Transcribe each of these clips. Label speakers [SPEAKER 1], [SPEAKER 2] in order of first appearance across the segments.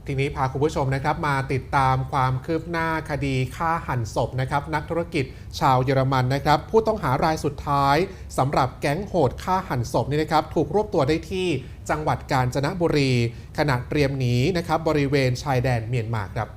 [SPEAKER 1] ทีนี้พาคุณผู้ชมนะครับมาติดตามความคืบหน้าคดีฆ่าหันศพนะครับนักธุรกิจชาวเยอรมันนะครับผู้ต้องหารายสุดท้ายสำหรับแก๊งโหดฆ่าหันศพนี่นะครับถูกรวบตัวได้ที่จังหวัดกาญจนบุรีขณะเตรียมหนีนะครับบริเวณชายแดนเมียนมาครับ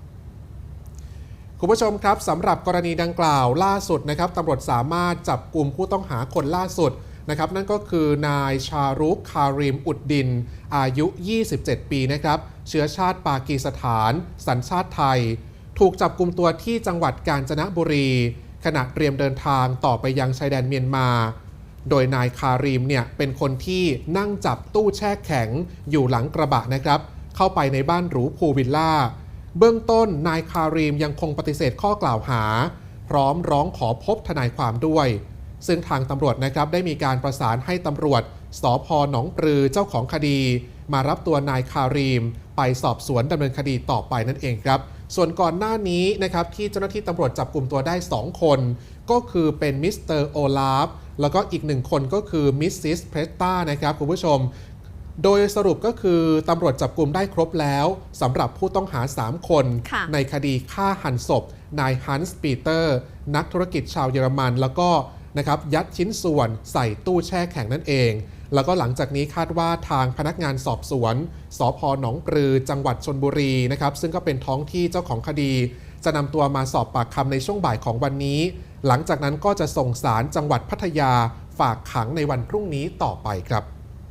[SPEAKER 1] คุณผู้ชมครับสำหรับกรณีดังกล่าวล่าสุดนะครับตำรวจสามารถจับกลุ่มผู้ต้องหาคนล่าสุดนะครับนั่นก็คือนายชารุกคาริมอุดดินอายุ 27 ปีนะครับเชื้อชาติปากีสถานสัญชาติไทยถูกจับกลุ่มตัวที่จังหวัดกาญจนบุรีขณะเตรียมเดินทางต่อไปยังชายแดนเมียนมาโดยนายคาริมเนี่ยเป็นคนที่นั่งจับตู้แช่แข็งอยู่หลังกระบะนะครับเข้าไปในบ้านหรูพูลวิลล่าเบื้องต้นนายคาริมยังคงปฏิเสธข้อกล่าวหาพร้อมร้องขอพบทนายความด้วยซึ่งทางตำรวจนะครับได้มีการประสานให้ตำรวจสภ.หนองปลือเจ้าของคดีมารับตัวนายคาริมไปสอบสวนดำเนินคดีต่อไปนั่นเองครับส่วนก่อนหน้านี้นะครับที่เจ้าหน้าที่ตำรวจจับกลุ่มตัวได้2คนก็คือเป็นมิสเตอร์โอลาฟแล้วก็อีก1คนก็คือมิสซิสเพรสตานะครับคุณผู้ชมโดยสรุปก็คือตำรวจจับกลุ่มได้ครบแล้วสำหรับผู้ต้องหา3คนในคดีฆ่าหันศพนายฮันส์ปีเตอร์นักธุรกิจชาวเยอรมันแล้วก็นะครับยัดชิ้นส่วนใส่ตู้แช่แข็งนั่นเองแล้วก็หลังจากนี้คาดว่าทางพนักงานสอบสวนสภ.หนองปลือจังหวัดชลบุรีนะครับซึ่งก็เป็นท้องที่เจ้าของคดีจะนำตัวมาสอบปากคำในช่วงบ่ายของวันนี้หลังจากนั้นก็จะส่งศาลจังหวัดพัทยาฝากขังในวันพรุ่งนี้ต่อไปครับ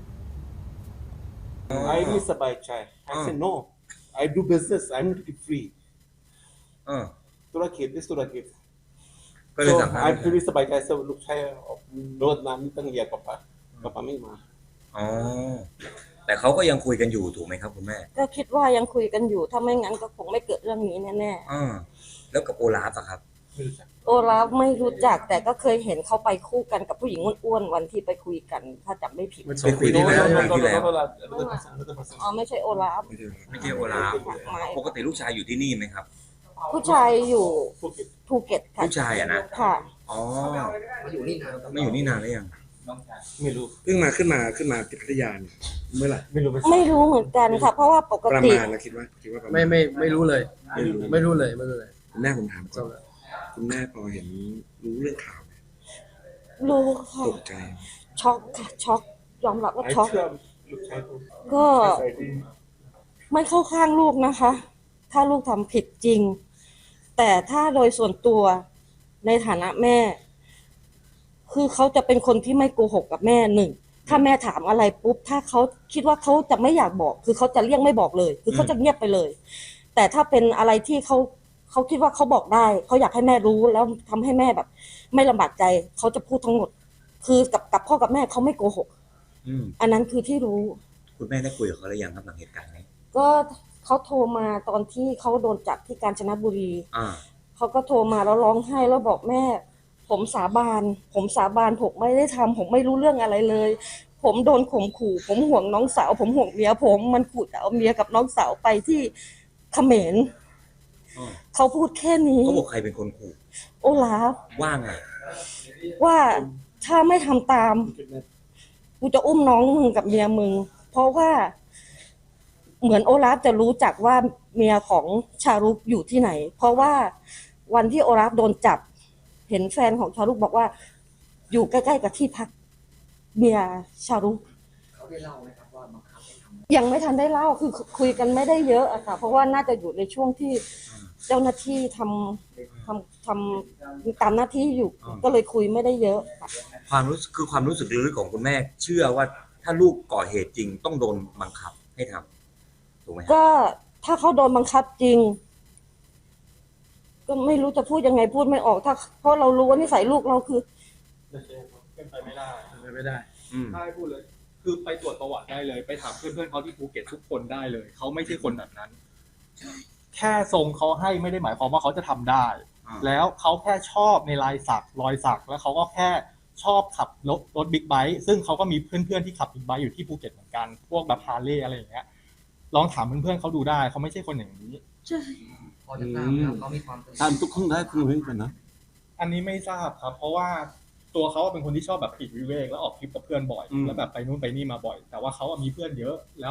[SPEAKER 2] I really survive chai. I said no. I do business. I'm not free. ธุรกิจ this ธุรกิจ
[SPEAKER 3] ก็เลย
[SPEAKER 2] so
[SPEAKER 3] สั่งให้
[SPEAKER 2] I really สบายใจ so ลูกชายโดนน้ำนี่ตั้งเยียกับป้าไม่มา
[SPEAKER 3] อ๋อแต่เขาก็ยังคุยกันอยู่ถูกไหมครับคุณแม่
[SPEAKER 4] ก็คิดว่ายังคุยกันอยู่ถ้าไม่งั้นก็คงไม่เกิดเรื่องนี้แน่
[SPEAKER 3] แล้วกับโอลาฟอะครับ
[SPEAKER 2] ไม่รู้จัก
[SPEAKER 4] ๆโอลาฟไม่รู้จักแต่ก็เคยเห็นเขาไปคู่กันกับผู้หญิงอ้วนๆวันที่ไปคุยกันถ้าจำไม่ผิด
[SPEAKER 3] ไปคุยที่แล้ว
[SPEAKER 4] อ๋อไม่ใช่โอลาฟ
[SPEAKER 3] ไม่ใช่โอลาฟปกติลูกชายอยู่ที่นี่ไหมครับ
[SPEAKER 4] ผู้ชายอยู่ภูเก็ตค่ะ
[SPEAKER 3] ผู้ชายอะนะ
[SPEAKER 4] ค่ะ
[SPEAKER 3] อ๋อไม่อยู่นี่นานแล้วยัง
[SPEAKER 2] ไม่รู้
[SPEAKER 5] ขึ้นมาที่พัทยาเนี่ยเมื่อไหร่
[SPEAKER 2] ไม่รู้
[SPEAKER 4] ไม่รู้เหมือนกันค่ะ เพราะว่าปก
[SPEAKER 5] ประ
[SPEAKER 4] ติ
[SPEAKER 5] มาณนะคิดว่าประมาณ
[SPEAKER 6] ไม่รู้เลย ไม่รู้เลย
[SPEAKER 5] คุณแม่ผมถามก่อนคุณแม่พอเห็นรู้เรื่องข่าวไหม
[SPEAKER 4] รู้ค่ะ
[SPEAKER 5] ตกใจ
[SPEAKER 4] ช็อกค่ะช็อกยอมรับว่า
[SPEAKER 2] ไอ้
[SPEAKER 4] ช็อก
[SPEAKER 2] เชื่อลูกชาย
[SPEAKER 4] ก็ไม่เข้าข้างลูกนะคะ ถ้าลูกทำผิดจริง แต่ถ้าโดยส่วนตัวในฐานะแม่ คือเขาจะเป็นคนที่ไม่โกหกกับแม่หนึ่งถ้าแม่ถามอะไรปุ๊บถ้าเขาคิดว่าเขาจะไม่อยากบอก คือเขาจะเลี่ยงไม่บอกเลย คือเขาจะเงียบไปเลย แต่ถ้าเป็นอะไรที่เขาคิดว่าเขาบอกได้เขาอยากให้แม่รู้แล้วทำให้แม่แบบ ไม่ลำบากใจเขาจะพูดทั้งหมด คือกับพ่อกับแม่เขาไม่โกหกอันนั้นคือที่รู้
[SPEAKER 3] คุณแม่ได้คุยกับเขาหรือยังครับหลังเหตุการณ์นี้
[SPEAKER 4] ก็เขาโทรมาตอนที่เขาโดนจับที่กาญจนบุรี
[SPEAKER 3] อ่า
[SPEAKER 4] เขาก็โทรมาแล้วร้องไห้แล้วบอกแม่ ผมสาบานผมไม่ได้ทำผมไม่รู้เรื่องอะไรเลย ผมโดนข่มขู่ผมห่วงน้องสาวผมห่วงเมียผมมันขู่จะเอาเมียกับน้องสาวไปที่เขมรเขาพูดแค่นี้
[SPEAKER 3] เขาบอกใครเป็นคนขู่
[SPEAKER 4] โอลาฟ
[SPEAKER 3] ว่าไง
[SPEAKER 4] ว่าถ้าไม่ทำตามกูจะอุ้มน้องมึงกับเมียมึงเพราะว่าเหมือนโอลาฟจะรู้จักว่าเมียของชารุกอยู่ที่ไหนเพราะว่าวันที่โอลาฟโดนจับเห็นแฟนของชารุกบอกว่าอยู่ใกล้ๆกับที่พักเมียชารุกเขาได้เล่าไหมครับว่าบังคับให้ทำยังไม่ทันได้เล่าคือคุยกันไม่ได้เยอะอะค่ะเพราะว่าน่าจะอยู่ในช่วงที่เจ้าหน้าที่ทำตามหน้าที่อยู่ก็เลยคุยไม่ได้เยอะ
[SPEAKER 3] ความรู้สึกลึกๆของคุณแม่ เชื่อว่าถ้าลูกก่อเหตุจริงต้องโดนบังคับให้ทำถูกไหมครับ
[SPEAKER 4] ก็ถ้าเขาโดนบังคับจริง ก็ไม่รู้จะพูดยังไงพูดไม่ออกเพราะเรารู้ว่านิสัยลูกเราคือ
[SPEAKER 7] เป็นไปไม่ได้
[SPEAKER 6] ไม่ได้
[SPEAKER 7] ถ้าให้พูดเลย คือไปตรวจประวัติได้เลย ไปถามเพื่อนๆเขาที่ภูเก็ตทุกคนได้เลย เขาไม่ใช่คนแบบนั้น แค่ทรงเขาให้ไม่ได้หมายความว่าเขาจะทำได้ แล้วเขาแค่ชอบในรอยสัก แล้วเขาก็แค่ชอบขับรถบิ๊กไบค์ ซึ่งเขาก็มีเพื่อนๆที่ขับบิ๊กไบค์อยู่ที่ภูเก็ตเหมือนกัน พวกแบบฮาร์เลย์อะไรอย่างเงี้ย ลองถามเพื่อนๆเขาดูได้ เขาไม่ใช่คนอย่างนี้
[SPEAKER 6] พอจะทราบแล้วเขามีความ
[SPEAKER 2] ตามทุกคนได้คุณเห็นกันนะ
[SPEAKER 7] อันนี้ไม่ทราบครับ เพราะว่าตัวเขาเป็นคนที่ชอบแบบปลีกวิเวกแล้วออกทริปกับเพื่อนบ่อยแล้วแบบไปนู่นไปนี่มาบ่อย แต่ว่าเขามีเพื่อนเยอะแล้ว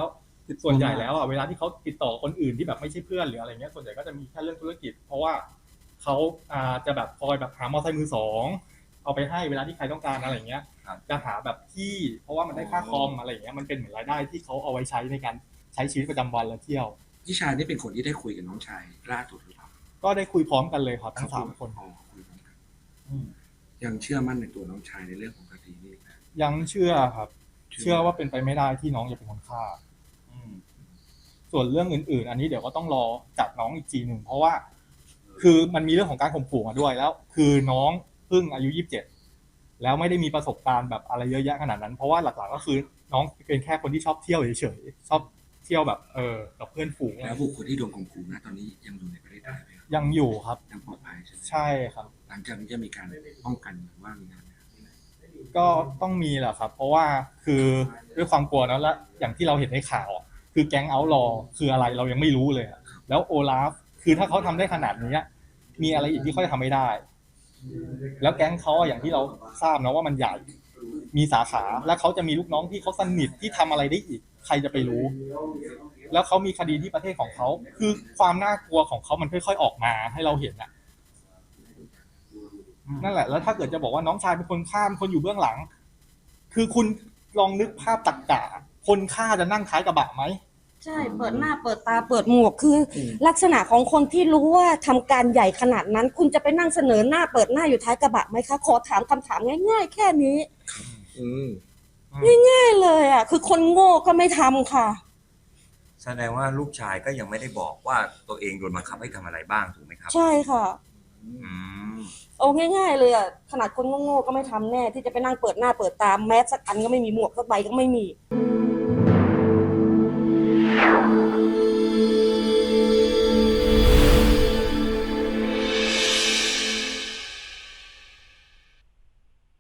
[SPEAKER 7] ส่วนใหญ่แล้วอ่ะเวลาที่เขาติดต่อคนอื่นที่แบบไม่ใช่เพื่อนหรืออะไรเงี้ยส่วนใหญ่ก็จะมีแค่เรื่องธุรกิจ เพราะว่าเขาจะแบบคอยแบบหามอเตอร์ไซค์มือสองเอาไปให้เวลาที่ใครต้องการอะไรเงี้ย
[SPEAKER 3] ครับ
[SPEAKER 7] จะหาแบบที่เพราะว่ามันได้ค่าคอมอะไรเงี้ยมันเป็นเหมือนรายได้ที่เขาเอาไว้ใช้ในการใช้ชีวิตประจำวันและเที่ยว
[SPEAKER 5] พี่ชายนี่เป็นคนที่ได้คุยกับน้องชายล่าสุดหรือเปล่า
[SPEAKER 7] ก็ได้คุยพร้อมกันเลยครับทั้งสามคน
[SPEAKER 5] อ๋อคุยพร้อมกันยังเชื่อมั่นในตัวน้องชายในเรื่องของคดีนี้นะ
[SPEAKER 7] ยังเชื่อครับ เชื่อว่าเป็นไปไม่ได้ที่น้องจะเป็นคนฆ่า ส่วนเรื่องอื่นๆ อันนี้เดี๋ยวก็ต้องรอจับน้องอีกทีหนึ่งเพราะว่า คือมันมีเรื่องของการข่มขู่มาด้วยแล้ว คือน้องเพิ่งอายุ27แล้วไม่ได้มีประสบการณ์แบบอะไรเยอะแยะขนาดนั้นเพราะว่าหลักๆก็คือน้องเป็นแค่คนที่ชอบเที่ยวเฉยๆชอบเที่ยวแบบกับเพื่อนฝูง
[SPEAKER 5] แล้วบุคคลที่โดนข่มขู่นะตอนนี้ยังอยู่ในประเทศไทยไหมครับ
[SPEAKER 7] ยังอยู่ครับ
[SPEAKER 5] ยังปลอดภัยใช่ไหม
[SPEAKER 7] ใช่ครับ
[SPEAKER 5] หลังจากนี้จะมีการป้องกันหรือว่ามีงานไหมครับ
[SPEAKER 7] ก็ต้องมีแหละครับ เพราะว่าคือด้วยความกลัวนะและอย่างที่เราเห็นในข่าวอะคือแก๊งเอาท์ลอว์คืออะไรเรายังไม่รู้เลยอะแล้วโอลาฟคือถ้าเขาทำได้ขนาดนี้มีอะไรอีกที่เขาจะทำไม่ได้ แล้วแก๊งเขาอะอย่างที่เราทราบนะว่ามันใหญ่มีสาขาและเขาจะมีลูกน้องที่เขาสนิทที่ทำอะไรได้อีก ใครจะไปรู้ แล้วเขามีคดีที่ประเทศของเขาคือความน่ากลัวของเขามันค่อยๆออกมาให้เราเห็นอะนั่นแหละแล้วถ้าเกิดจะบอกว่าน้องชายเป็นคนฆ่าเป็นคนอยู่เบื้องหลัง คือคุณลองนึกภาพตรรกะคนฆ่าจะนั่งท้ายกระบะไหม
[SPEAKER 4] ใช่เปิดหน้าเปิดตาเปิดหมวกคือลักษณะของคนที่รู้ว่าทำการใหญ่ขนาดนั้น คุณจะไปนั่งเสนอหน้าเปิดหน้าอยู่ท้ายกระบะไหมคะขอถามคำถามง่ายๆแค่นี้ง่ายๆเลยอ่ะคือคนโง่ก็ไม่ทำค่ะ
[SPEAKER 3] แสดงว่าลูกชายก็ยังไม่ได้บอกว่าตัวเองโดนบังคับให้ทำอะไรบ้างถูกไหมครับ
[SPEAKER 4] ใช่ค่ะ
[SPEAKER 3] อืม
[SPEAKER 4] เอาง่ายๆเลยอ่ะขนาดคนโง่ๆก็ไม่ทำแน่ที่จะไปนั่งเปิดหน้าเปิดตาแมสสักอันก็ไม่มีหมวกสักใบก็ไม่มี
[SPEAKER 3] อ